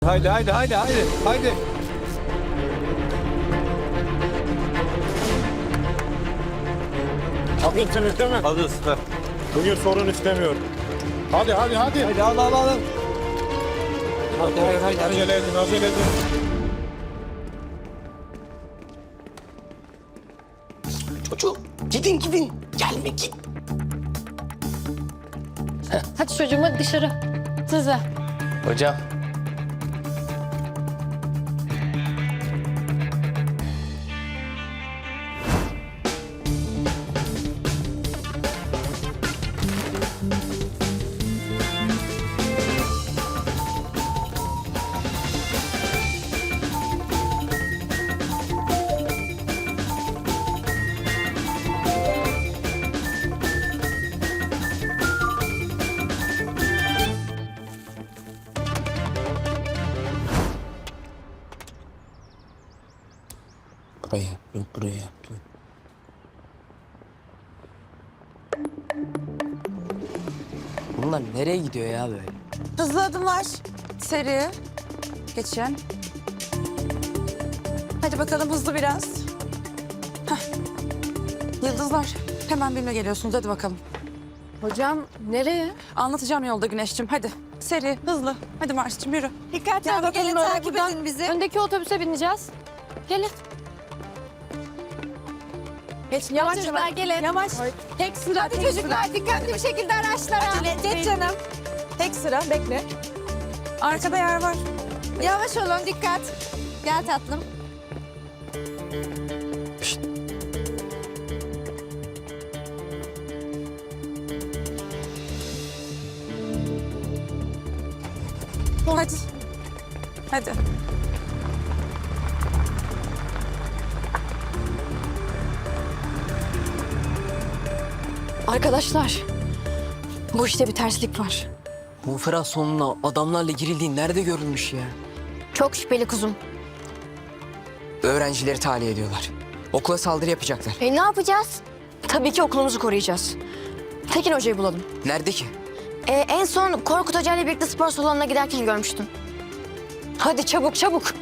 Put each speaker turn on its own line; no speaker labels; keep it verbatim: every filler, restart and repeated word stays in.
Haydi haydi haydi haydi haydi.
Haklısınız değil mi?
Alırız. Ver.
Bugün sorun istemiyorum. Hadi hadi hadi.
Haydi al al al. Haydi haydi haydi.
Acele edin acele edin.
Çocuğum gidin gidin. Gelme git.
Hadi çocuğum hadi dışarı. Size.
Hocam. Buraya, yok buraya. Bunlar nereye gidiyor ya böyle?
Hızlı adımlar. Seri. Geçin. Hadi bakalım hızlı biraz. Hah. Yıldızlar. Hemen benimle geliyorsunuz. Hadi bakalım.
Hocam nereye?
Anlatacağım yolda Güneş'cim. Hadi. Seri, hızlı. Hadi Mars'cığım yürü.
Dikkatli
Gel bakalım öyle
takip
buradan.
edin bizi. Öndeki otobüse bineceğiz. Gelin.
Geç,
Yavaş çocuklar gelin.
Yavaş. Tek sıra.
Hadi
tek
çocuklar
sıra.
dikkatli bir şekilde araçlara.
Geç canım. Tek sıra. Bekle. Arkada yer var.
Yavaş olun dikkat. Gel tatlım.
Hadi. Hadi.
Arkadaşlar. Bu işte bir terslik var.
Konferans sonuna adamlarla girildiği nerede görülmüş ya?
Çok şüpheli kuzum.
Öğrencileri tahliye ediyorlar. Okula saldırı yapacaklar.
E ne yapacağız? Tabii ki okulumuzu koruyacağız. Tekin Hoca'yı bulalım.
Nerede ki?
E, en son Korkut Hoca ile birlikte spor salonuna giderken görmüştüm. Hadi çabuk çabuk.